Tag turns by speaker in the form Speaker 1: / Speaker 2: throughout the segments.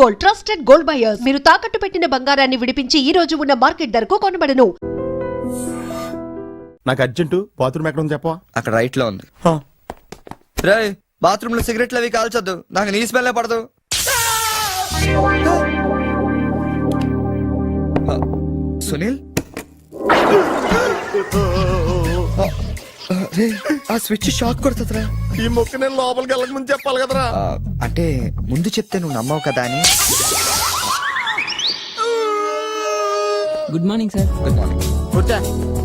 Speaker 1: Gold, trusted gold buyers. మీరు తాకట్టు పెట్టిన బంగారాన్ని విడిపించి ఈ రోజు ఉన్న మార్కెట్ ధరకు కొనబడను.
Speaker 2: నాకు అర్జెంటు బాత్రూమ్ ఎక్కడ ఉంది చెప్పవా?
Speaker 3: అక్కడ రైట్ లో ఉంది. రే బాత్రూమ్ లో సిగరెట్లు అవి కాల్చొద్దు, నాకు నీ స్మెల్ పడదు. సునీల్ ఆ స్విచ్ షాక్ కొడుతుందిరా.
Speaker 2: ఈ మొక్క నేను లోపలికి వెళ్ళక ముందు చెప్పాలి కదరా.
Speaker 3: అంటే ముందు చెప్తే నువ్వు నమ్మవు కదా అని.
Speaker 4: Good morning sir.
Speaker 3: Good morning.
Speaker 2: కూర్చో.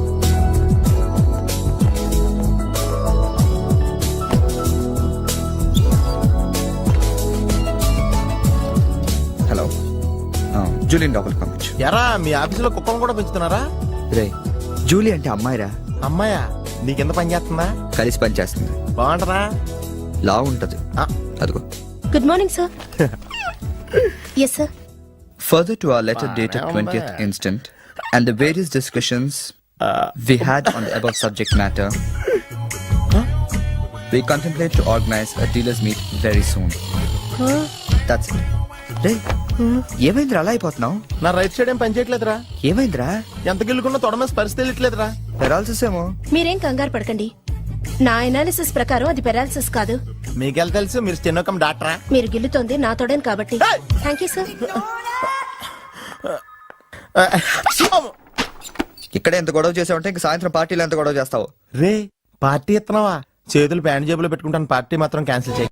Speaker 3: హలో, జూలియన్ లోపలికి పంపించు.
Speaker 2: ఎరా మీ ఆఫీసులో కుక్కను కూడా పెంచుతున్నారా?
Speaker 3: రే జూలీ అంటే అమ్మాయిరా.
Speaker 2: అమ్మాయా? నీకెంత పని చేస్తుందా?
Speaker 3: కలిసి పని చేస్తుంది.
Speaker 2: బాగుంటరా?
Speaker 3: లా ఉంటది. అదిగో.
Speaker 5: Good morning, sir. Yes, sir.
Speaker 3: Further to our letter dated 20th instant and the various discussions we had on the above subject matter, we contemplate to organize a dealers meet very soon. That's it. రే ఏమైందిరా అలా అయిపోతున్నావు?
Speaker 2: నా right side ఏం పని చేయట్లేదురా.
Speaker 3: ఏమైందిరా?
Speaker 2: ఎంత గిల్లుకున్నా తొడమేసి పరిస్థితి వెళ్ళట్లేదురా.
Speaker 3: Paralysis ఏమో.
Speaker 5: మీరేం కంగారు పడకండి. నా అనాలిసిస్ ప్రకారం అది పెరాలిసిస్ కాదు.
Speaker 2: మీకెళ్ళ తెలుసు, మీరు స్టెనోకం డాక్టరా?
Speaker 5: మీరు గిల్లుతోంది నా తోడని కాబట్టి. Thank you sir.
Speaker 3: ఇక్కడ ఎంత గొడవ చేసావంటే ఇంక సాయంత్రం పార్టీలో ఎంత గొడవ చేస్తావు?
Speaker 2: రే పార్టీ ఇస్తున్నావా? చేతులు ప్యాంట్ జేబులో పెట్టుకుంటాను, పార్టీ మాత్రం క్యాన్సిల్ చేయి.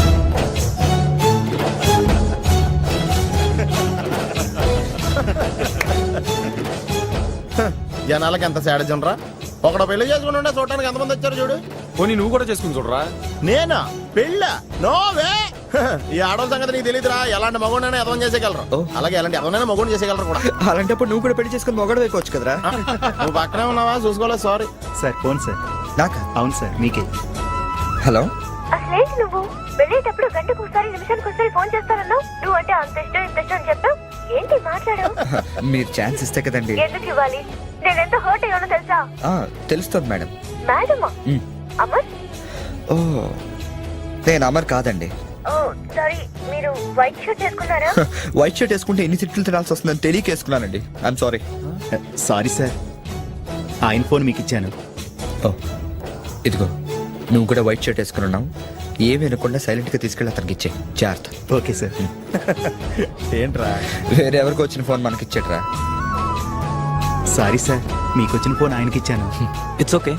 Speaker 2: జనాలకి ఎంత సాడజం రా. ఒకడు పెళ్లి చేసుకుని ఉండే చూడటానికి ఎంతమంది వచ్చారు చూడు.
Speaker 6: పోనీ నువ్వు కూడా చేసుకుని చూడరా.
Speaker 2: నేనా పెళ్ళ? నోవే. ఈ ఆడవాళ్ళ సంగతి నీకు తెలియదురా. ఎలాంటి మగోడైనా ఎదవం చేసేయగలరు, అలాగే ఎలాంటి ఎదవనైనా మగోడు చేసేయగలరు కూడా.
Speaker 3: అలాంటప్పుడు నువ్వు కూడా పెళ్లి చేసుకుని మొగడు వేయవచ్చు కదరా.
Speaker 2: నువ్వు పక్కనే ఉన్నావా? చూసుకోలేదు. Sorry
Speaker 7: sir. Phone sir.
Speaker 3: నాకా?
Speaker 7: అవును సార్, మీకే.
Speaker 3: హలో.
Speaker 8: అసలేంటి నువ్వు వెళ్ళేటప్పుడు గంటకు ఒకసారి నిమిషానికి ఒకసారి ఫోన్ చేస్తానన్నావు. నువ్వు అంటే అంత ఇష్టం ఇంత ఇష్టం అని చెప్పావు. ఏంటి మాట్లాడావు?
Speaker 3: మీరు ఛాన్స్ ఇస్తే కదండి.
Speaker 8: ఎందుకు ఇవ్వాలి? నేను ఎంత హర్ట్ అయ్యానో తెలుసా?
Speaker 3: తెలుస్తుంది మేడం.
Speaker 8: మేడమా? అమర్?
Speaker 3: ఓ నేను అమర్ కాదండి.
Speaker 8: ఓ సారీ, మీరు వైట్ షర్ట్ వేసుకున్నారా?
Speaker 3: వైట్ షర్ట్ వేసుకుంటే ఎన్ని తిట్లు తినాల్సి వస్తుందని తెలియక వేసుకున్నానండి. I'm sorry.
Speaker 7: సారీ సార్, ఆయన ఫోన్ మీకు ఇచ్చాను.
Speaker 3: ఓ ఇదిగో, నువ్వు కూడా వైట్ షర్ట్ వేసుకుని ఉన్నావు. ఏమి వినకుండా సైలెంట్ గా తీసుకెళ్ళి అతనికి ఇచ్చే జాగ్రత్త.
Speaker 7: Okay sir.
Speaker 2: ఏంట్రా?
Speaker 3: వేరే ఎవరికి వచ్చిన ఫోన్ మనకి ఇచ్చేట్రా.
Speaker 7: సారీ సార్, మీకు వచ్చిన ఫోన్ ఆయనకి ఇచ్చాను.
Speaker 4: It's okay.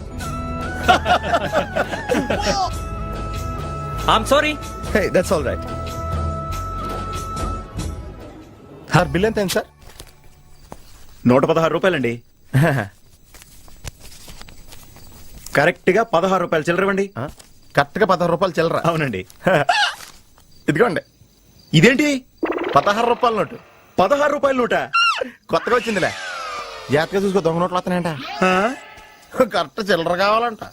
Speaker 4: I'm sorry.
Speaker 3: Hey that's all right.
Speaker 2: Sir bill ఎంత అయింది సార్?
Speaker 7: 116 రూపాయలండి. కరెక్ట్ గా 16 రూపాయలు చిల్లరవండి.
Speaker 2: కరెక్ట్ గా 16 రూపాయలు చిల్లర?
Speaker 7: అవునండి.
Speaker 2: ఇదిగోండి.
Speaker 7: ఇదేంటి?
Speaker 2: 16 రూపాయల నోటు.
Speaker 7: 16 రూపాయల నోట?
Speaker 2: కొత్తగా వచ్చిందిలే. జాగ్రత్తగా చూసుకో, దొంగ నోట్లు వస్తున్నాయంట. కరెక్ట్ చిల్లర కావాలంట.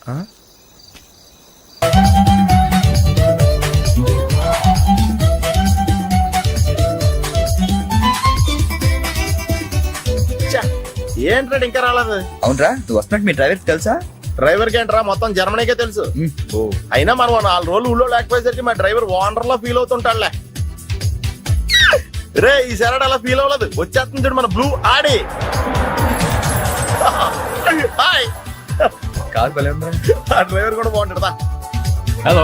Speaker 2: ఏంట్రా ఇంకా రాలేదు?
Speaker 3: అవునరా, నువ్వు వస్తున్నట్టు మీ డ్రైవర్ తెలుసా?
Speaker 2: డ్రైవర్ కి ఏంట్రా, మొత్తం జర్మనీకే తెలుసు. అయినా మనం 4 రోజులు ఊళ్ళో లేకపోయేసరికి మా డ్రైవర్ ఓనర్ లా ఫీల్ అవుతుంటాడులే. రే ఈ సరడ్ అలా ఫీల్ అవ్వలేదు, వచ్చేస్తుంది చూడు మన బ్లూ ఆడి. హాయ్.
Speaker 3: కార్ భలే ఉందా?
Speaker 2: ఆ డ్రైవర్ కూడా బాగుంటాడా?
Speaker 6: హలో.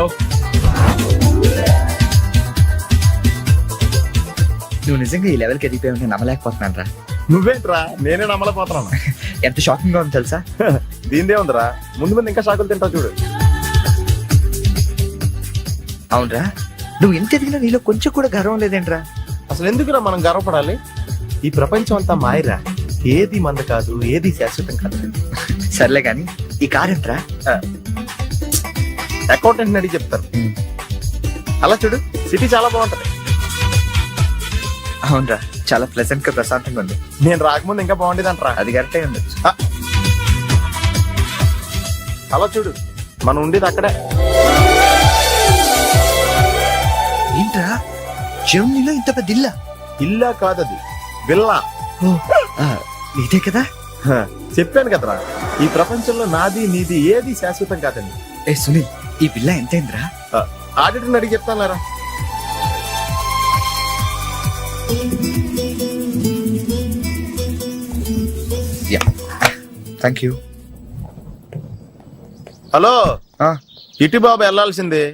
Speaker 3: నువ్వు నిజంగా ఈ లెవెల్కి ఎదిగిపోయి ఉంటే నమ్మలేకపోతున్నాను రా.
Speaker 2: నువ్వేంట్రా, నేనే నమ్మలేకపోతున్నాను.
Speaker 3: ఎంత షాకింగ్ గా ఉంది తెలుసా?
Speaker 2: దీనిదే ఉందిరా, ముందు ముందు ఇంకా షాకులు తింటావు చూడు.
Speaker 3: అవునరా, నువ్వు ఎంత ఎదిగినా నీలో కొంచెం కూడా గర్వం లేదేంట్రా?
Speaker 2: అసలు ఎందుకురా మనం గర్వపడాలి? ఈ ప్రపంచం అంతా మాయరా, ఏది మంద కాదు, ఏది శాశ్వతం కాదు.
Speaker 3: సర్లే గాని ఈ కార్ ఎంట్రా?
Speaker 2: అకౌంటెంట్ అడిగి చెప్తారు. అలా చూడు, సిటీ చాలా బాగుంటది.
Speaker 3: అవునరా, చాలా ప్లెజెంట్ గా ప్రశాంతంగా ఉంది.
Speaker 2: నేను రాకముందు ఇంకా బాగుండేది అంటరా.
Speaker 3: అది కరెక్టే ఉండొచ్చు.
Speaker 2: అలా చూడు, మనం ఉండేది అక్కడే.
Speaker 3: ఏంట్రా, జర్మనీలో ఇంత పెద్ద ఇల్లా?
Speaker 2: ఇల్లా కాదది, విల్లా.
Speaker 3: ఇదే కదా?
Speaker 2: చెప్పాను కదరా, ఈ ప్రపంచంలో నాది నీది ఏది శాశ్వతం కాదండి.
Speaker 3: ఏ సునీల్, ఈ విల్లా ఎంతైందిరా?
Speaker 2: ఆడిటర్ని అడిగి చెప్తాను లేరా.
Speaker 3: Thank you.
Speaker 2: హలో ఇటు బాబు వెళ్ళాల్సింది.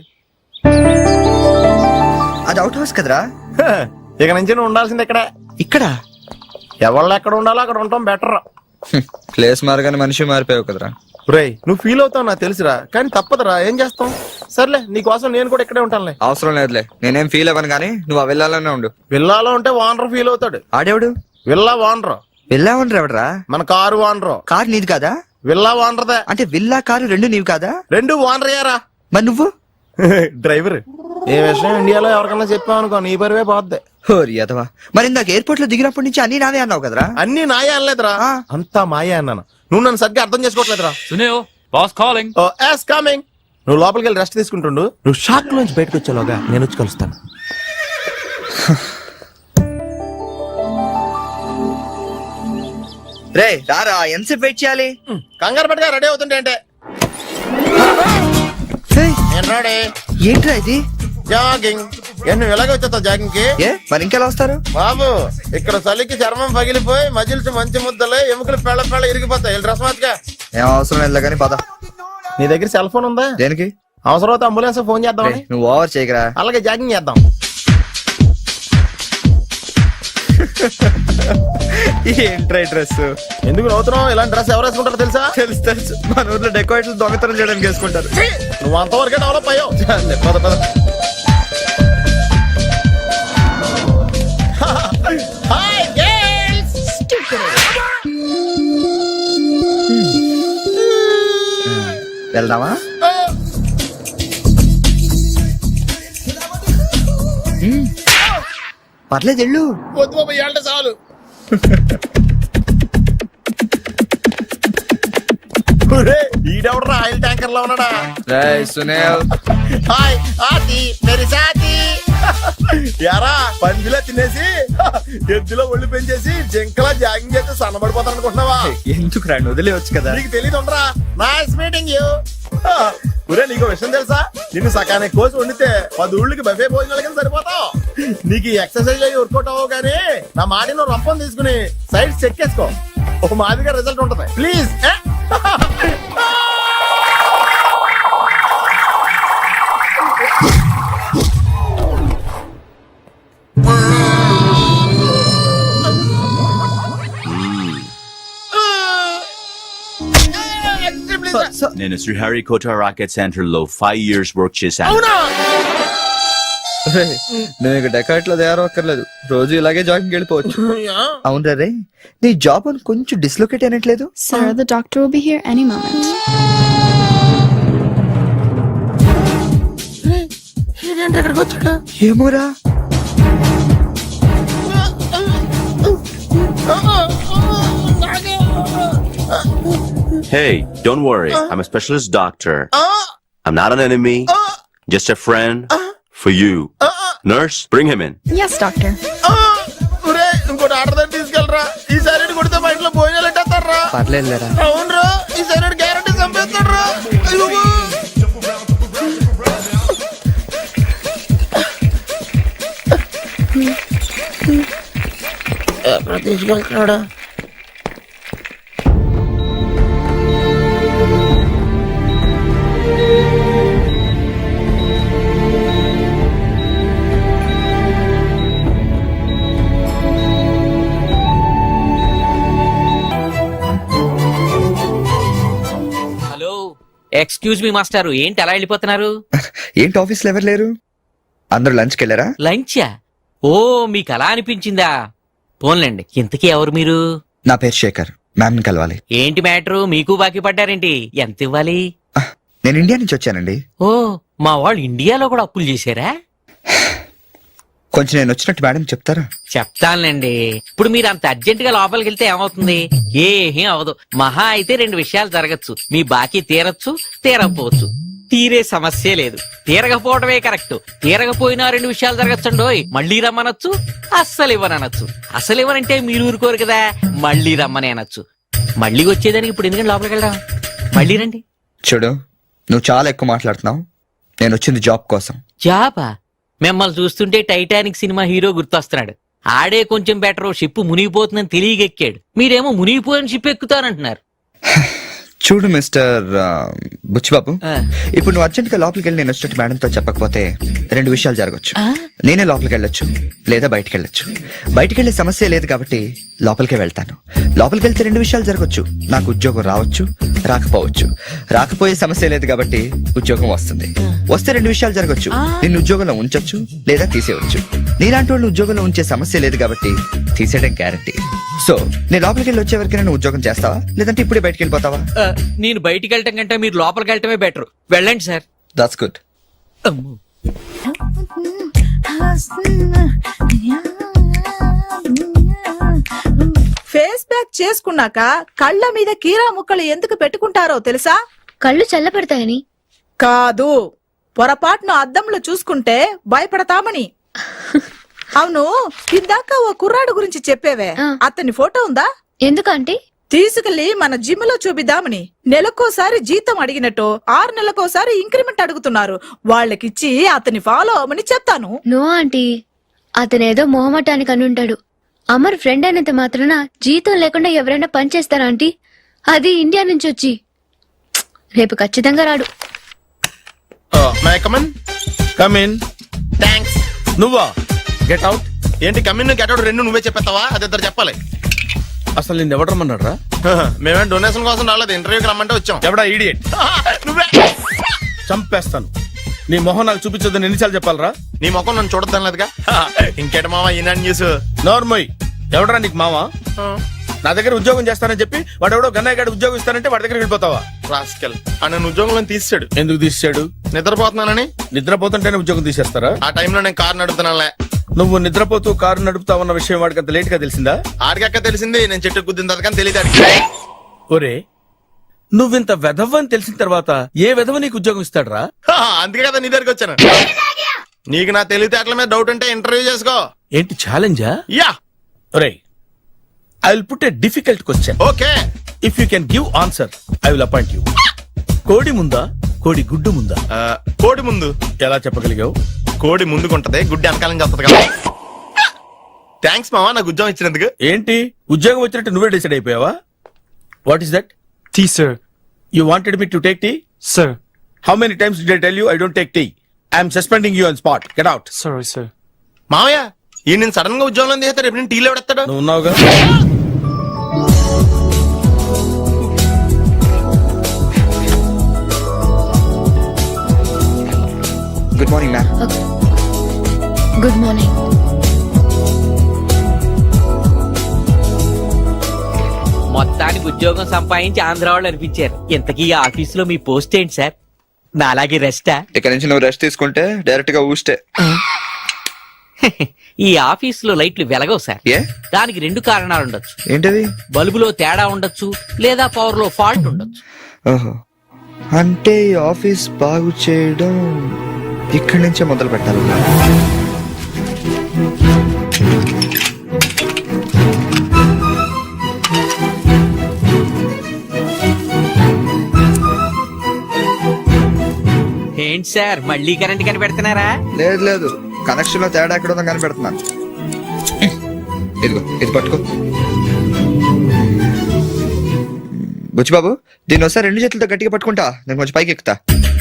Speaker 3: అది అవుట్ హౌస్ కదరా.
Speaker 2: హ, ఇక నుంచి నువ్వు ఉండాల్సింది ఇక్కడ.
Speaker 3: ఇక్కడ
Speaker 2: ఎవళ్ళు ఎక్కడ ఉండాలో అక్కడ ఉండటం బెటర్.
Speaker 3: ప్లేస్ మారగానే మనిషి మారిపోయావు కదరా.
Speaker 2: రేయ్ నువ్వు ఫీల్ అవుతావు నాకు తెలుసురా, కానీ తప్పదురా, ఏం చేస్తాం. సర్లే నీకోసం నేను కూడా ఇక్కడే ఉంటానులే.
Speaker 3: అవసరం లేదులే, నేనేం ఫీల్ అవ్వను కానీ నువ్వు ఆ వెళ్ళాలనే ఉండు.
Speaker 2: విల్లాలో ఉంటే ఓనర్ ఫీల్ అవుతాడు.
Speaker 3: ఆడేవుడు
Speaker 2: విల్లా ఓనర్
Speaker 3: వెళ్ళావని ఎవడరా?
Speaker 2: మన కారు ఓనరు.
Speaker 3: కారు నీది కాదా?
Speaker 2: విల్లా ఓనర్దే.
Speaker 3: అంటే విల్లా కారు రెండు నీవి కాదా?
Speaker 2: రెండు ఓనర్ అయ్యారా.
Speaker 3: మరి నువ్వు
Speaker 2: డ్రైవర్. ఏ విషయం ఇండియాలో ఎవరికన్నా చెప్పావనుకో నీ పరివే పోద్ది.
Speaker 3: హోరి అదవా. మరి ఇందాక ఎయిర్పోర్ట్ లో దిగినప్పటి నుంచి అన్ని నావే అన్నావు కదరా.
Speaker 2: అన్ని నాయే అనలేదురా,
Speaker 3: ఆ.
Speaker 2: అంతా మాయే అన్నాను. నువ్వు నన్ను సరిగ్గా అర్థం చేసుకోవట్లేదురా.
Speaker 6: Sunil boss calling.
Speaker 2: Oh yes coming. నువ్వు లోపలికి వెళ్ళి రెస్ట్ తీసుకుంటుండు. నువ్వు షాక్ నుంచి బయటకు వచ్చేలోగా నేను వచ్చి కలుస్తాను.
Speaker 3: రే రారా, ఎంతసేపు వెయిట్ చేయాలి?
Speaker 2: కంగారు పట్టుగా రెడీ అవుతుంటే అంటే
Speaker 3: ఏయ్,
Speaker 2: నేను రెడీ.
Speaker 3: ఏంట్రా ఇది?
Speaker 2: జాగింగ్. నువ్వు ఎలాగ వచ్చేస్తావు జాగింగ్ కి?
Speaker 3: ఏ మరి ఇంకెలా వస్తారు?
Speaker 2: బాబు ఇక్కడ చలికి చర్మం పగిలిపోయి మజిల్స్ మంచి ముద్దలే ఎముకలు పెళ్ళ పెళ్ళ ఇరిగిపోతాయి. డ్రెస్ మార్చుగా.
Speaker 3: ఏం అవసరం లేదు కానీ పద.
Speaker 2: నీ దగ్గర సెల్ ఫోన్ ఉందా?
Speaker 3: దేనికి?
Speaker 2: అవసరం అయితే అంబులెన్స్ ఫోన్ చేద్దామని.
Speaker 3: రేయ్, నువ్వు ఓవర్ చేయకరా.
Speaker 2: అలాగే జాగింగ్ చేద్దాం.
Speaker 3: ఏంట్రా డ్రెస్?
Speaker 2: ఎందుకు నవ్వుతున్నావు? ఇలాంటి డ్రెస్ ఎవరు వేసుకుంటారో తెలుసా?
Speaker 3: తెలుసు తెలుసు, మన ఊర్లో డెకోరేట్లు దొంగతనం చేయడానికి వేసుకుంటారు.
Speaker 2: నువ్వు అంతవరకే డెవలప్ అయ్యావు. చాలే, పద పద. Hi girls.
Speaker 3: వెళ్దామా? పర్లేదు వెళ్ళు.
Speaker 2: వద్దు బాబు, ఏళ్ళ చాలు. ఈడెవడరా ఆయిల్ ట్యాంకర్ లో ఉన్నాడా?
Speaker 3: రేయ్ సునీల్.
Speaker 2: హాయ్ ఆతి మేరీ సాతి. యారా పందిలా తినేసి ఎద్దులో ఒళ్ళు పెంచేసి జింకలా జాగింగ్ చేస్తే సన్నబడిపోతాను అనుకుంటున్నావా?
Speaker 3: ఎందుకు రా, వదిలేవచ్చు కదా.
Speaker 2: నీకు తెలియదు ఉండరా. Nice meeting you. ఒరే నీకు విషయం తెలుసా? నిన్ను సకానికి కోసి వండితే 10 ఊళ్ళకి బఫే భోజనాల కింద సరిపోతావు. నీకు ఈ ఎక్సర్సైజ్ అయ్యి వర్కౌట్ అవ్వవు కానీ నా మాటిని రంపం తీసుకుని సైడ్ చెక్ చేసుకో. ఒక మాదిరిగా రిజల్ట్ ఉంటది. ప్లీజ్.
Speaker 4: నేను శ్రీహరికోట రాకెట్ సెంటర్ లో 5 years వర్క్ చేశాను.
Speaker 2: అవునా?
Speaker 3: రేయ్, నువ్వు ఇక డెకాట్ లో తయారవక్కర్లేదు, రోజు ఇలాగే జాగింగ్ వెళ్ళిపోవచ్చు. అవునరా రే, నీ జాబ్ అని కొంచెం డిస్లొకేట్ అయినట్లేదు?
Speaker 9: Sir, the doctor will be here any moment.
Speaker 3: ఏమోరా.
Speaker 4: Hey, don't worry. I'm a specialist doctor. I'm not an enemy. Just a friend for you. Nurse, bring him in.
Speaker 9: Yes, doctor.
Speaker 2: ఒరే ఇంకోటి order దగ్గర తీసుకెళ్ళరా. ఈ side కొడితే మా ఇంట్లో భోజనాలు ఎట్టేస్తారా?
Speaker 3: పర్లేదు లేరా.
Speaker 2: అవునరా, ఈ సైడ్ గ్యారంటీ చంపేస్తాడరా. తీసుకెళ్తున్నాడా?
Speaker 10: హలో, ఎక్స్క్యూజ్ మీ మాస్టారు, ఏంటి అలా వెళ్ళిపోతున్నారు?
Speaker 3: ఏంటి ఆఫీస్ లో ఎవరు లేరు? అందరూ లంచ్కి వెళ్ళారా?
Speaker 10: లంచా? ఓ మీకు అలా అనిపించిందా? పోన్లేండి, ఇంతకీ ఎవరు మీరు?
Speaker 3: నా పేరు శేఖర్, మ్యామ్ కలవాలి.
Speaker 10: ఏంటి మ్యాటరు, మీకు బాకీ పడ్డారేంటి? ఎంత ఇవ్వాలి?
Speaker 3: నేను ఇండియా నుంచి వచ్చానండి.
Speaker 10: ఓ, మా వాళ్ళు ఇండియాలో కూడా అప్పులు చేశారా?
Speaker 3: కొంచెం నేను వచ్చినట్టు మేడం చెప్తారా?
Speaker 10: చెప్తానులేండి. ఇప్పుడు మీరు అంత అర్జెంట్ గా లోపలికి వెళ్తే ఏమవుతుంది? ఏమీ అవదు. మహా అయితే 2 విషయాలు జరగచ్చు. మీ బాకీ తీరచ్చు, తీరకపోవచ్చు. తీరే సమస్య లేదు, తీరకపోవడమే కరెక్ట్. తీరకపోయినా 2 విషయాలు జరగచ్చండోయ్. మళ్ళీ రమ్మనొచ్చు, అస్సలు ఇవ్వనొచ్చు. అసలు ఇవ్వనంటే మీరు ఊరుకోరు కదా, మళ్ళీ రమ్మని అనొచ్చు. మళ్ళీ వచ్చేదానికి ఇప్పుడు ఎందుకంటే లోపలికి వెళ్దాం. మళ్ళీ రండి.
Speaker 3: చూడు, నువ్వు చాలా ఎక్కువ మాట్లాడుతున్నావు. నేను వచ్చింది జాబ్ కోసం.
Speaker 10: జాబా? మిమ్మల్ని చూస్తుంటే టైటానిక్ సినిమా హీరో గుర్తొస్తున్నాడు. ఆడే కొంచెం బెటర్, షిప్ మునిగిపోతుందని తెలియగెక్కాడు. మీరేమో మునిగిపోయిన షిప్ ఎక్కుతానంటున్నారు.
Speaker 3: చూడు మిస్టర్ బుచ్చిబాబు,
Speaker 10: ఆ.
Speaker 3: ఇప్పుడు నువ్వు అర్జెంట్ గా లోపలికి వెళ్ళి నేను వచ్చినట్టు మేడంతో చెప్పకపోతే రెండు విషయాలు జరగచ్చు. నేనే లోపలికి వెళ్ళొచ్చు, లేదా బయటికి వెళ్ళొచ్చు. బయటికి వెళ్ళే సమస్య లేదు కాబట్టి లోపలికే వెళ్తాను. లోపలికి వెళ్తే రెండు విషయాలు జరగచ్చు. నాకు ఉద్యోగం రావచ్చు, రాకపోవచ్చు. రాకపోయే సమస్య లేదు కాబట్టి ఉద్యోగం వస్తుంది. వస్తే రెండు విషయాలు జరగచ్చు. నిన్ను ఉద్యోగంలో ఉంచొచ్చు, లేదా తీసేయవచ్చు. నీలాంటి వాళ్ళు ఉద్యోగంలో ఉంచే సమస్య లేదు కాబట్టి తీసేయడం గ్యారంటీ. సో నేను లోపలికి వెళ్ళి వచ్చే వరకు నేను ఉద్యోగం చేస్తావా, లేదంటే ఇప్పుడే బయటికి వెళ్ళిపోతావా?
Speaker 10: నేను బయటికి వెళ్ళటం కంటే మీరు లోపలికి వెళ్ళటమే బెటర్. వెళ్ళండి sir.
Speaker 3: That's good.
Speaker 11: Face pack చేసుకున్నాక కళ్ళ మీద కీరా ముక్కలు ఎందుకు పెట్టుకుంటారో తెలుసా?
Speaker 9: కళ్ళు చల్లబడతాయని.
Speaker 11: కాదు, పొరపాటును అద్దంలో చూసుకుంటే భయపడతామని. అవును, ఇందాక ఓ కుర్రాడు గురించి చెప్పేవే, అతని ఫోటో ఉందా?
Speaker 9: ఎందుకంటే
Speaker 11: తీసుకెళ్లి మన జిమ్ లో చూపిద్దామని. నెలకోసారి జీతం అడిగినట్టు 6 నెలకోసారి ఇంక్రిమెంట్ అడుగుతున్నారు. వాళ్ళకిచ్చి అతని ఫాలో అవ్వమని చెప్తాను.
Speaker 9: నో ఆంటీ, అతనేదో మొహమాటానికి అనుంటాడు. అమర్ ఫ్రెండ్ అయినంత మాత్రాన జీతం లేకుండా ఎవరైనా పని చేస్తారా ఆంటీ? అది ఇండియా నుంచి వచ్చి. రేపు ఖచ్చితంగా రాడు.
Speaker 2: May I come in.
Speaker 6: కమిన్.
Speaker 2: థ్యాంక్స్.
Speaker 6: నువ్వా? Get out.
Speaker 2: ఏంటి కమిన్ గెట్ అవుట్ రెండు నువ్వే చెప్పేస్తావా? అది ఇద్దరు చెప్పాలి.
Speaker 6: అసలు నేను ఎవడు రమ్మన్నాడు రా?
Speaker 2: మేమే డొనేషన్ కోసం రాలేదు, ఇంటర్వ్యూకి రమ్మంటే వచ్చాం.
Speaker 6: ఎవడా ఈడియట్?
Speaker 2: నువ్వే.
Speaker 6: చంపేస్తాను. నీ మొహం నాకు చూపించొద్దని ఎన్నిసార్లు చెప్పాలరా?
Speaker 2: నీ ముఖం నన్ను చూడద్దాం లేదుగా. ఇంకేట మావా ఈనాడు న్యూస్.
Speaker 6: నోర్మోయ్, ఎవడరా నీకు మావా? నా దగ్గర ఉద్యోగం చేస్తానని చెప్పి వాడు ఎవడో గన్నయ్య గారి ఉద్యోగం ఇస్తానంటే వాడి దగ్గర వెళ్ళిపోతావా?
Speaker 2: రాస్కెల్. ఆ నన్ను ఉద్యోగంలో తీసాడు.
Speaker 6: ఎందుకు తీసాడు?
Speaker 2: నిద్రపోతున్నానని.
Speaker 6: నిద్రపోతుంటేనే ఉద్యోగం తీసేస్తారా?
Speaker 2: ఆ టైంలో నేను కారు నడుపుతున్నానులే.
Speaker 6: నువ్వు నిద్రపోతూ కారు నడుపుతావన్న విషయం వాడికి అంత లేట్ గా తెలిసిందా?
Speaker 2: ఆడికక్క తెలిసింది, నేను చెట్టు గుద్దిన తర్వాత కానీ తెలియదు.
Speaker 6: ఒరే, నువ్వింత వెధవ్ అని తెలిసిన తర్వాత ఏ వెధవ నీకు ఉద్యోగం ఇస్తాడరా?
Speaker 2: అందుకే కదా నీ దగ్గరికి వచ్చాను. నీకు నా తెలివితేటల మీద డౌట్ ఉంటే ఇంటర్వ్యూ చేసుకో.
Speaker 6: ఏంటి ఛాలెంజా?
Speaker 2: యా.
Speaker 6: ఒరే, I will put a difficult question.
Speaker 2: Okay.
Speaker 6: If you can give answer I will appoint you. కోడి ముందా, కోడి గుడ్డు ముందా?
Speaker 2: కోడి ముందు.
Speaker 6: ఎలా చెప్పగలిగావు?
Speaker 2: కోడి ముందుకుంటది, గుడ్డి వెనకాలని చేస్తుంది కదా. థ్యాంక్స్ మావా నాకు ఉద్యోగం ఇచ్చినందుకు.
Speaker 6: ఏంటి ఉద్యోగం వచ్చినట్టు నువ్వే డిసైడ్ అయిపోయావా? What is that?
Speaker 7: Tea sir.
Speaker 6: You wanted me to take tea?
Speaker 7: Sir.
Speaker 6: How many times did I tell you I don't take tea? I am suspending you on spot. Get out.
Speaker 7: Sorry, sir.
Speaker 2: మావయ్య ఈ నేను sudden గా ఉద్యోగంలో తీస్తాడు. రేపు నేను టీలో పెడతాడు.
Speaker 6: నువ్వు ఉన్నావుగా.
Speaker 3: Good morning ma'am.
Speaker 9: Good morning.
Speaker 10: మొత్తానికి ఉద్యోగం సంపాదించి ఆంధ్ర వాళ్ళు అనిపించారు. ఇంతకీ ఈ ఆఫీసులో మీ పోస్ట్ ఏంటి సార్? నా అలాగే రెస్టా?
Speaker 3: ఇక్కడ నుంచి నువ్వు రెస్ట్ తీసుకుంటే డైరెక్ట్ గా ఊస్తే.
Speaker 10: ఈ ఆఫీసులో లైట్లు వెలగవు సార్.
Speaker 3: ఏ?
Speaker 10: దానికి 2 కారణాలు ఉండొచ్చు.
Speaker 3: ఏంటది?
Speaker 10: బల్బులో తేడా ఉండొచ్చు, లేదా పవర్ లో ఫాల్ట్ ఉండొచ్చు.
Speaker 3: ఓహో, అంటే ఈ ఆఫీస్ బాగు చేయడం ఇక్కడి నుంచే మొదలు పెట్టాలి.
Speaker 10: ఏంటి సార్ మళ్ళీ కరెంట్ కనిపెడుతున్నారా?
Speaker 3: లేదు లేదు, కనెక్షన్ లో తేడా ఎక్కడ ఉందో కనిపెడుతున్నాను. ఇదిగో ఇది పట్టుకో. బుచ్చిబాబు, దీన్ని ఒకసారి 2 చేతులతో గట్టిగా పట్టుకుంటా, నేను కొంచెం పైకి ఎక్కుతా.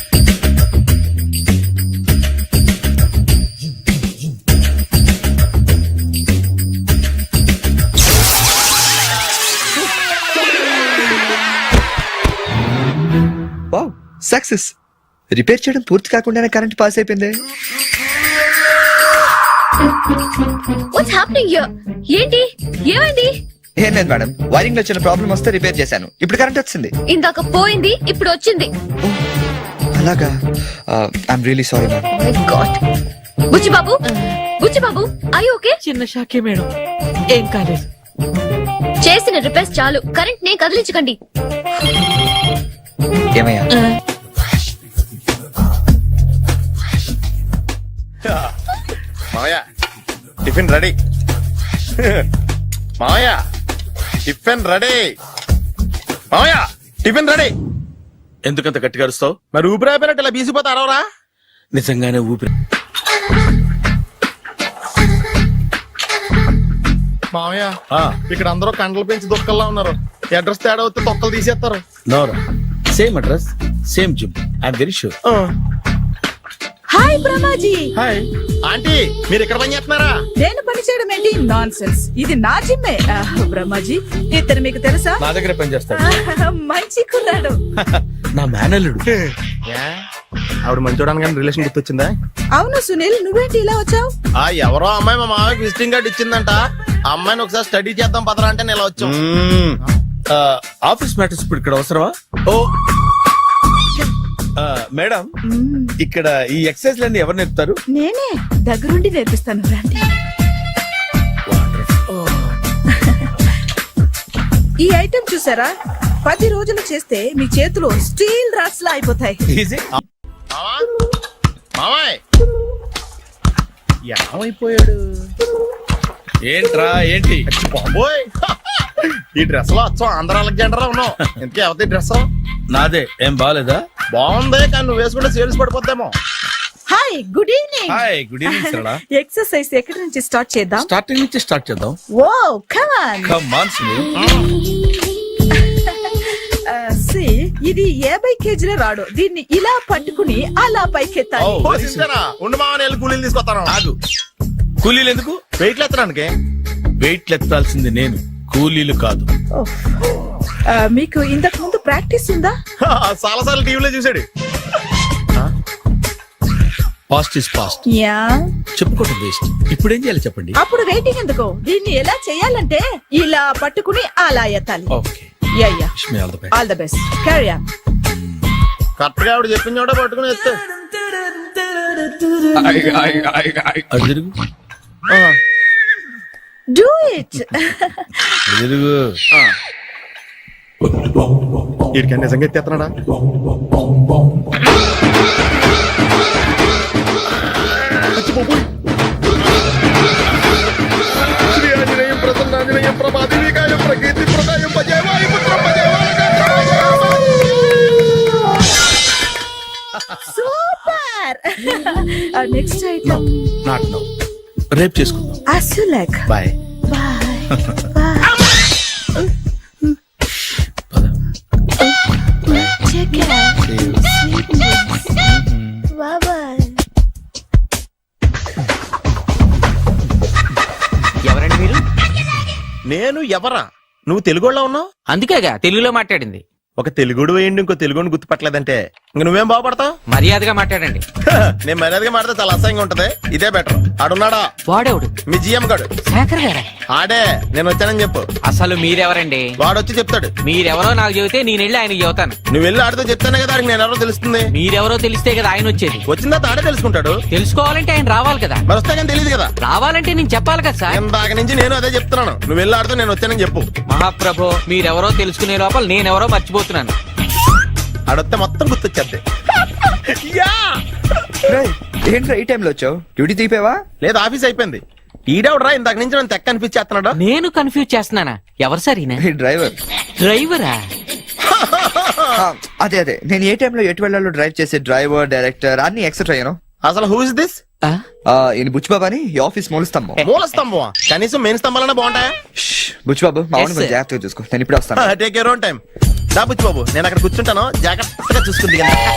Speaker 3: Wow, success. రిపేర్ చేయడం పూర్తి కాకుండానే కరెంట్ పాస్ అయిపోయింది.
Speaker 9: What's happening here? ఏంటి, ఏమైంది?
Speaker 3: ఏం లేదు మేడం, వైరింగ్ లో చిన్న ప్రాబ్లం వస్తే రిపేర్ చేశాను. ఇప్పుడు కరెంట్ వచ్చింది.
Speaker 9: ఇందాక పోయింది, ఇప్పుడు వచ్చింది.
Speaker 3: అలాగా? I'm really sorry ma'am.
Speaker 9: My god. Buchibabu, Buchibabu, I okay?
Speaker 10: చిన్న షాకే మేడం, ఏం కాలేదు.
Speaker 9: చేసిన రిపేర్స్ చాలు, కరెంట్ నే కదిలించకండి.
Speaker 3: ఏమయ్యా?
Speaker 2: మావయ్య టిఫిన్ రెడీ. మావయ్య టిఫిన్ రెడీ. మావయ్య టిఫిన్ రెడీ.
Speaker 6: ఎందుకంత గట్టిగా అరుస్తావు?
Speaker 2: మరి ఊపిరి అయిపోయినట్టు ఇలా బీసిపోతే అరవరా?
Speaker 6: నిజంగానే ఊపిరి.
Speaker 2: మామయ్య
Speaker 6: ఆ,
Speaker 2: ఇక్కడ అందరూ కండలు పెంచి దుక్కల్లా ఉన్నారు. అడ్రస్ తేడా వస్తే తొక్కలు తీసేస్తారు.
Speaker 6: నోరా same address same gym I'm very sure.
Speaker 11: Hi Brahmaji.
Speaker 6: Hi.
Speaker 2: Aunty మీరు ఇక్కడ పని చేస్తున్నారా?
Speaker 11: నేను పని చేయడం ఏంటి? Nonsense. ఇది నా జిమ్మే. బ్రహ్మాజీ ఇతను మీకు తెలుసా?
Speaker 6: నా దగ్గర పని చేస్తాడు.
Speaker 11: మంచి కుర్రాడు.
Speaker 6: నా మేనల్లుడు.
Speaker 2: ఏ? ఆవిడ మంచి చూడడానికి రిలేషన్ గుర్తొచ్చిందా?
Speaker 11: అవును సునీల్, నువ్వేంటి ఇలా వచ్చావు?
Speaker 2: ఎవరో అమ్మాయి మా మామయ్యకి విజిటింగ్ కార్డు ఇచ్చిందంట. ఆ అమ్మాయిని ఒకసారి స్టడీ చేద్దాం పదరా అంటే నేను ఇలా వచ్చాం.
Speaker 6: ఆఫీస్ మ్యాటర్స్ ఇప్పుడు ఇక్కడ అవసరమా? ఓ మేడం, ఇక్కడ ఈ ఎక్సర్సైజ్ లన్నీ ఎవరు నేర్పుతారు?
Speaker 11: నేనే దగ్గరుండి నేర్పిస్తాను రండి. ఈ ఐటెం చూసారా? 10 రోజులు చేస్తే మీ చేతులు స్టీల్ రాట్స్ లా అయిపోతాయి.
Speaker 6: ఈజీ.
Speaker 2: మామయ్య
Speaker 6: ఏమైపోయాడు? ఏంట్రా ఏంటి?
Speaker 2: బాబోయ్ ఈ డ్రెస్ లో వచ్చాం ఆంధ్ర అలెగ్జాండర్ ఉన్నావు. ఇంతకీ ఎవరి డ్రెస్?
Speaker 6: నాదే. ఏం బాగాలేదా?
Speaker 2: బాగుంది కానీ నువ్వు వేసుకుంటే సేల్స్ పడిపోద్దేమో.
Speaker 11: Hi, good evening.
Speaker 6: Hi, good evening Sarala.
Speaker 11: Exercise ఎక్కడి నుంచి స్టార్ట్ చేద్దాం?
Speaker 6: స్టార్టింగ్ నుంచి స్టార్ట్ చేద్దాం.
Speaker 11: Oh come on.
Speaker 6: Come on Sunil.
Speaker 11: ఇది 50 కేజీల రాడు. దీన్ని ఇలా పట్టుకుని అలా పైకెత్తాలి.
Speaker 6: Oh.
Speaker 2: ఓ సిస్టరా ఉండు మామని వెళ్ళి కూలీలు తీసుకొస్తాను.
Speaker 6: ఆగు. కూలీలు ఎందుకు?
Speaker 2: వెయిట్లు ఎత్తడానికి.
Speaker 6: వెయిట్ ఎత్తాల్సింది నేను, కూలీలు కాదు.
Speaker 11: మీకు ఇంతకు ముందు ప్రాక్టీస్ ఉందా?
Speaker 2: చాలా సార్లు టీవీలో చూసాడు.
Speaker 6: Past is past.
Speaker 11: యా.
Speaker 6: చెప్పుకోవటం వేస్ట్. ఇప్పుడు ఏం చేయాలి చెప్పండి.
Speaker 11: అప్పుడు వెయిటింగ్ ఎందుకు? దీన్ని ఎలా చేయాలంటే ఇలా పట్టుకుని అలా ఎత్తాలి.
Speaker 6: Okay.
Speaker 11: Yeah yeah.
Speaker 6: Wish me all the best.
Speaker 11: All the best. Carry on.
Speaker 2: Correct గా ఆవిడ చెప్పిన చోట పట్టుకుని ఎత్తు.
Speaker 6: అటు తిరుగు.
Speaker 11: Do it.
Speaker 6: అటు తిరుగు.
Speaker 2: వీడికి నిజంగా ఎత్తేస్తున్నాడా? శ్రీ ఆంజనేయం ప్రసన్నాంజనేయం ప్రభాదివికాయం ప్రకీర్తి ప్రదాయం భజేవాయ పుత్రం భజేవాయ.
Speaker 11: Super. Next item
Speaker 6: not now. రేపు చేసుకుందాం.
Speaker 11: as you like.
Speaker 6: Bye.
Speaker 11: Bye. Bye. Take care. Sweet dreams. Bye bye.
Speaker 10: ఎవరండి మీరు?
Speaker 2: నేను ఎవరా? నువ్వు తెలుగులో ఉన్నావు.
Speaker 10: అందుకేగా తెలుగులో మాట్లాడింది.
Speaker 2: ఒక తెలుగుడు వేయండి ఇంకో తెలుగుని గుర్తుపట్టలేదంటే ఇంక నువ్వేం బాగుపడతావు?
Speaker 10: మర్యాదగా మాట్లాడండి.
Speaker 2: నేను మర్యాదగా మాడితే చాలా అసహ్యంగా ఉంటది. ఇదే బెటర్. ఆడున్నాడా?
Speaker 10: వాడేవుడు?
Speaker 2: మీ జిఎం గాడు.
Speaker 10: శేఖర్ గారా?
Speaker 2: ఆడే. నేను వచ్చానని చెప్పు.
Speaker 10: అసలు మీరెవరండి?
Speaker 2: వాడొచ్చి చెప్తాడు.
Speaker 10: మీరెవరో నాకు చెబితే నేను వెళ్ళి ఆయనకి చెబుతాను.
Speaker 2: నువ్వు వెళ్ళి ఆడితో చెప్తానే కదా ఆడికి నేను ఎవరో తెలుస్తుంది.
Speaker 10: మీరెవరో తెలిస్తే కదా ఆయన వచ్చేది.
Speaker 2: వచ్చిన తర్వాత ఆడే తెలుసుకుంటాడు.
Speaker 10: తెలుసుకోవాలంటే ఆయన రావాలి కదా.
Speaker 2: మరి వస్తే కానీ తెలియదు కదా.
Speaker 10: రావాలంటే నేను చెప్పాలి కదా సార్.
Speaker 2: ఇందాక నుంచి నేను అదే చెప్తున్నాను. నువ్వు వెళ్ళి ఆడితో నేను వచ్చానని చెప్పు.
Speaker 10: మహాప్రభు, మీరెవరో తెలుసుకునే లోపల నేనెవరో మర్చిపోతున్నాను.
Speaker 2: ఆడొస్తే మొత్తం గుర్తొచ్చేద్ది.
Speaker 3: ఏంట్రా ఈ టైంలో వచ్చావు? డ్యూటీ తీపేవా?
Speaker 2: లేదు ఆఫీస్ అయిపోయింది. ఈడెవడరా ఇందాక నుంచి నన్ను తెక్క అనిపించేస్తున్నాడు.
Speaker 10: నేను కన్ఫ్యూజ్ చేస్తున్నానా? ఎవరు సార్ ఈయన?
Speaker 3: డ్రైవర్.
Speaker 10: డ్రైవరా?
Speaker 3: అదే అదే, నేను ఏ టైంలో ఎటు వెళ్ళాలో డ్రైవ్ చేసే డ్రైవర్, డైరెక్టర్ అన్ని ఎక్సెట్రా యూనో.
Speaker 2: అసలు హూ ఇస్ దిస్?
Speaker 3: ఈయన బుచ్చిబాబు అని ఈ ఆఫీస్ మూల స్తంభం.
Speaker 2: మూల స్తంభం? కనీసం మెయిన్ స్తంభాలనే బాగుంటాయా?
Speaker 3: బుచ్చిబాబు మా
Speaker 10: Yes, sir.
Speaker 3: జాగ్రత్తగా చూసుకో, నేను ఇప్పుడే వస్తాను.
Speaker 2: Take your own time. దాబుచ్చి బాబు నేను అక్కడ కూర్చుంటాను, జాగ్రత్తగా చూసుకుంది.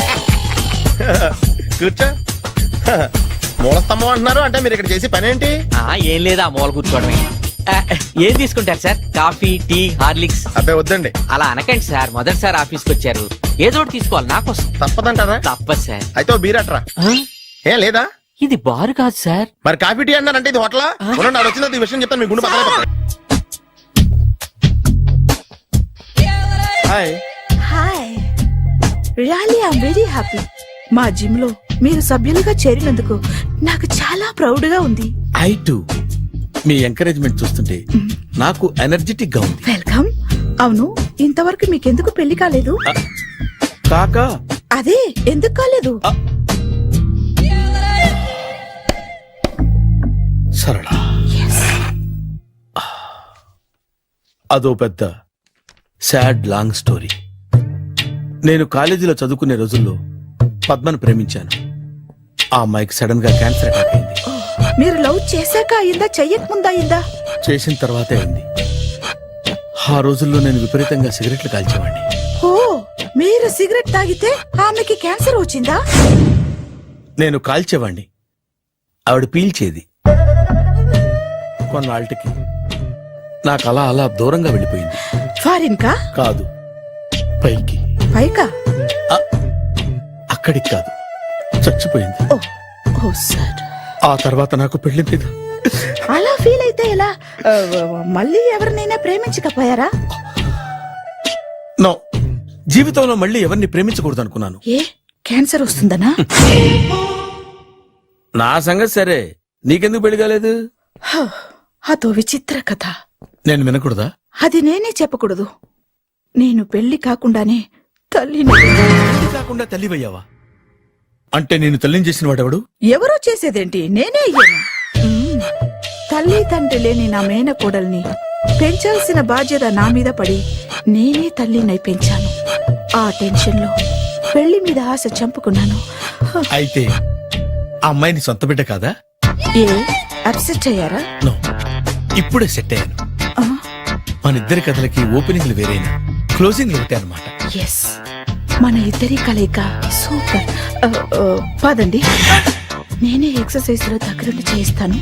Speaker 2: కూర్చో. మూల స్తంభం అంటున్నారు అంటే మీరు ఇక్కడ చేసే పని ఏంటి?
Speaker 10: ఏం లేదా, మూల కూర్చోవడమే. ఏం తీసుకుంటారు సార్? Coffee, tea, Horlicks?
Speaker 2: అబ్బాయి వద్దండి.
Speaker 10: అలా అనకండి సార్, మొదటిసారి ఆఫీస్కి వచ్చారు, ఏదో ఒకటి తీసుకోవాలి నా కోసం.
Speaker 2: తప్పదంటారా?
Speaker 10: తప్పదు సార్.
Speaker 2: అయితే ఓ బీర్ అట్రా. ఏం లేదా?
Speaker 10: ఇది బారు కాదు సార్.
Speaker 2: మరి కాఫీ టీ అన్నారంటే ఇది హోటలా? నాడు వచ్చింది ఈ విషయం చెప్తాను, మీ గుండె పక్కన. Hi.
Speaker 11: Hi. Really I am very happy. మా జిమ్ లో మీరు సభ్యులుగా చేరినందుకు నాకు చాలా ప్రౌడ్ గా ఉంది.
Speaker 6: I to. మీ ఎంకరేజ్మెంట్ చూస్తుంటే నాకు ఎనర్జెటిక్ గా ఉంది.
Speaker 11: వెల్కమ్. అవును, ఇంతవరకు మీకెందుకు పెళ్లి కాలేదు?
Speaker 6: కాకా
Speaker 11: అదే ఎందుకు కాలేదు?
Speaker 6: సరళ, అదో పెద్ద సాడ్ లాంగ్ స్టోరీ. నేను కాలేజీలో చదువుకునే రోజుల్లో పద్మను ప్రేమించాను. ఆ అమ్మాయికి సడన్ గా క్యాన్సర్ అటాక్ అయింది.
Speaker 11: మీరు లవ్ చేశాక అయిందా చెయ్యక ముందా అయిందా?
Speaker 6: చేసిన తర్వాతే అయింది. ఆ రోజుల్లో నేను విపరీతంగా సిగరెట్లు కాల్చేవాడిని.
Speaker 11: ఓ మీరు సిగరెట్ తాగితే ఆమెకి క్యాన్సర్ వచ్చిందా?
Speaker 6: నేను కాల్చేవాణ్ణి, ఆవిడ పీల్చేది. కొన్నాళ్ళకి నాకు అలా అలా దూరంగా వెళ్ళిపోయింది.
Speaker 11: ఫారిన్ కా?
Speaker 6: కాదు, పైకి.
Speaker 11: పైకా?
Speaker 6: అక్కడికి కాదు, చచ్చిపోయింది.
Speaker 11: ఓ సార్.
Speaker 6: ఆ తర్వాత నాకు పెళ్లి మీద
Speaker 11: అలా ఫీల్ అయితే ఎలా? మళ్ళీ ఎవరినైనా ప్రేమించకపోయారా?
Speaker 6: నో, జీవితంలో మళ్ళీ ఎవరిని ప్రేమించకూడదు అనుకున్నాను.
Speaker 11: ఏ క్యాన్సర్ వస్తుందనా?
Speaker 6: నా సంగతి సరే, నీకెందుకు పెళ్లి కాలేదు?
Speaker 11: అదో విచిత్ర కథ.
Speaker 6: నేను వినకూడదా?
Speaker 11: అది నేనే చెప్పకూడదు. నేను పెళ్లి కాకుండానే తల్లిని.
Speaker 6: పెళ్లి కాకుండా తల్లివయ్యావా? అంటే నేను తల్లిని చేసిన వాడెవడు?
Speaker 11: ఎవరో చేసేదేంటి, నేనే అయ్యాను. తల్లి తండ్రి లేని నా మేనకోడల్ని పెంచాల్సిన బాధ్యత నా మీద పడి నేనే తల్లినై పెంచాను. ఆ టెన్షన్ లో పెళ్లి మీద ఆశ చంపుకున్నాను.
Speaker 6: అయితే ఆ అమ్మాయిని సొంత బిడ్డ కాదా?
Speaker 11: ఏ అప్సెట్ అయ్యారా?
Speaker 6: నో, ఇప్పుడే సెట్ అయ్యాను. మన ఇద్దరి కథలకి ఓపెనింగ్లు వేరైనా క్లోజింగ్లు ఒకటే అనమాట.
Speaker 11: ఎస్, మన ఇద్దరి కలయిక సూపర్. పదండి, నేనే ఎక్సర్సైజ్ లో దగ్గరుండి చేయిస్తాను.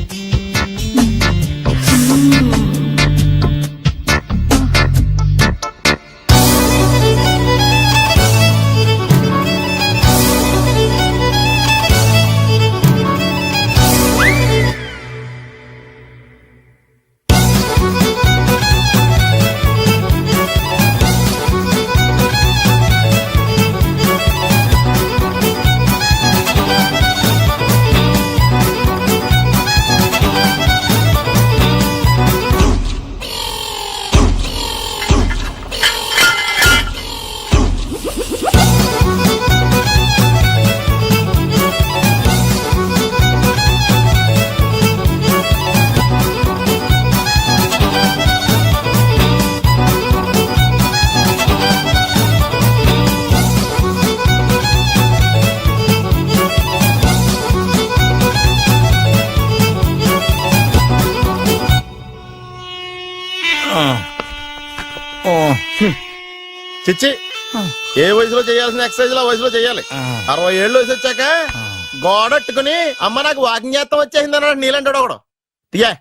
Speaker 2: చిచ్చి, ఏ వయసులో చేయాల్సిన ఎక్సర్సైజ్ ఆ వయసులో చేయాలి. 60 ఏళ్ళు వయసు వచ్చాక గోడట్టుకుని అమ్మ నాకు వాకింగ్ చేస్తాం వచ్చేసింది అన్నాడు నీలంటాడు ఒకడు. తీయా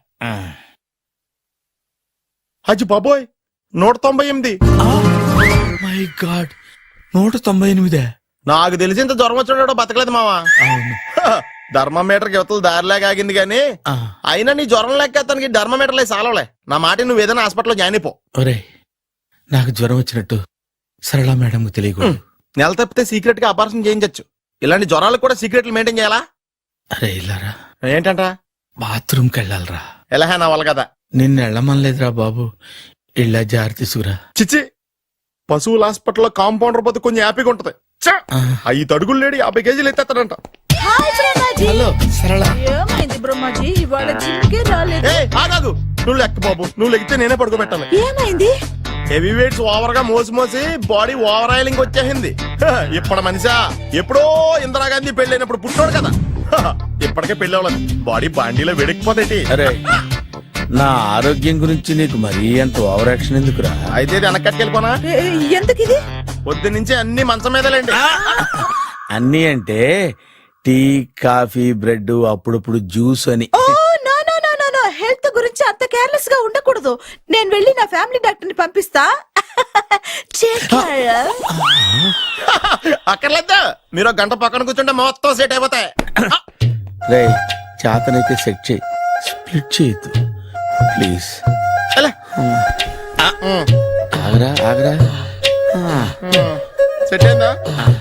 Speaker 2: అచ్చి బాబోయ్, 198.
Speaker 6: My god, 198.
Speaker 2: నాకు తెలిసి ఇంత జ్వరం వచ్చాడు బతకలేదు మావా. ధర్మమీటర్ యువతలు దారిలాగా ఆగింది గానీ అయినా నీ జ్వరం లెక్క అతనికి ధర్మమీటర్లే సాలవలే. నా మాట నువ్వు ఏదైనా హాస్పిటల్లో జాయిన్ అయిపో.
Speaker 6: ఒరే, నాకు జ్వరం వచ్చినట్టు సరళ మేడం తెలియకూడదు.
Speaker 2: నెల తప్పితే సీక్రెట్ గా ఆపరేషన్ చేయించచ్చు. ఇలాంటి జ్వరాలకు కూడా సీక్రెట్లు మెయింటైన్ చేయాలా?
Speaker 6: అరే ఇల్లారా,
Speaker 2: ఏంటంట?
Speaker 6: బాత్రూమ్ కి వెళ్ళాలరా.
Speaker 2: ఎలా నా వాళ్ళ కదా.
Speaker 6: నిన్ను వెళ్ళమనలేదురా బాబు, ఇళ్ళ జారి తీసుకురా.
Speaker 2: చిచ్చి, పశువుల హాస్పిటల్లో కాంపౌండర్ పోతే కొంచెం హ్యాపీగా ఉంటది. 5 అడుగులు లేడి 50 కేజీలు ఎత్తేస్తాడంట.
Speaker 6: హలో సరళ.
Speaker 11: ఏమైంది బ్రహ్మాజీ, ఇవాళ జిమ్కే రాలేదు?
Speaker 2: ఆగాదు, నువ్వు లెక్క బాబు, నువ్వు లెక్కితే నేనే పడుకోబెట్టాలి.
Speaker 11: ఏమైంది?
Speaker 2: హెవీ వెయిట్స్ ఓవర్ గా మోసి బాడీ ఓవర్ ఆయిలింగ్ వచ్చేసింది. ఇప్పుడు మనిషా ఎప్పుడో ఇందిరాగాంధీ పెళ్ళైనప్పుడు పుట్టాడు కదా, ఇప్పటికే పెళ్లి అవ్వలేదు. బాడీ బాండీలో వెడికిపోతేటి.
Speaker 6: అరే, నా ఆరోగ్యం గురించి నీకు మరీ అంత ఓవర్ యాక్షన్ ఎందుకురా?
Speaker 2: అయితే ఇది వెనక్కట్టుకెళ్ళిపోనా?
Speaker 11: ఎందుకు ఇది?
Speaker 2: పొద్దు నుంచి అన్ని మంచం మీదలేండి.
Speaker 6: అన్ని అంటే టీ, కాఫీ, బ్రెడ్, అప్పుడప్పుడు జ్యూస్ అని.
Speaker 11: హెల్త్ గురించి అంత కేర్లెస్ గా ఉండకూడదు. నేను వెళ్ళి నా ఫ్యామిలీ డాక్టర్ ని పంపిస్తా.
Speaker 2: అక్కర్లేదు, మీరు గంట పక్కన కూర్చుంటే మొత్తం సెట్ అయిపోతాయి.
Speaker 6: రే, చేతనైతే సెట్ చేయి, స్ప్లిట్ చేయొద్దు ప్లీజ్. ఆగరా ఆగరా.
Speaker 2: సెట్ అయిందా?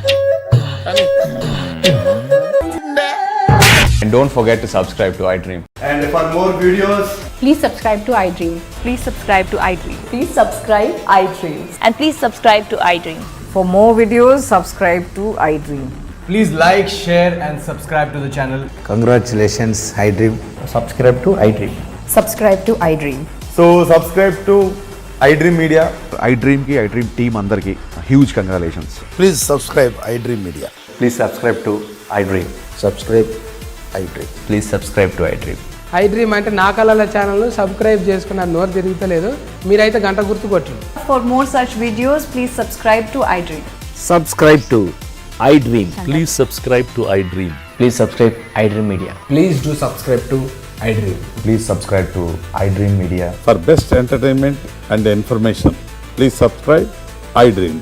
Speaker 7: And don't forget to subscribe to iDream.
Speaker 2: And for more videos,
Speaker 8: Please subscribe to iDream. Please subscribe to iDream. Please subscribe iDream. And please subscribe to iDream.
Speaker 12: For more videos, subscribe to iDream.
Speaker 7: Please like, share, and subscribe to the channel.
Speaker 13: Congratulations, iDream.
Speaker 7: Subscribe to iDream.
Speaker 12: Subscribe to iDream.
Speaker 13: So, subscribe to iDream Media. iDream ki iDream team andarki huge congratulations.
Speaker 2: please subscribe iDream Media.
Speaker 7: Please subscribe to iDream.
Speaker 13: Subscribe iDream.
Speaker 7: Please subscribe to iDream.
Speaker 14: IDream అంటే నా కళల channel subscribe చేసుకున్న నోరు తిరుగుతలేదు. మీరైతే గంట గుర్తు కొట్టండి.
Speaker 12: For more such videos, please subscribe to iDream.
Speaker 7: Subscribe to iDream. Please subscribe to iDream. Please subscribe iDream media.
Speaker 14: Please do subscribe to iDream.
Speaker 13: Please subscribe to iDream Media.
Speaker 2: For best entertainment and information, please subscribe iDream.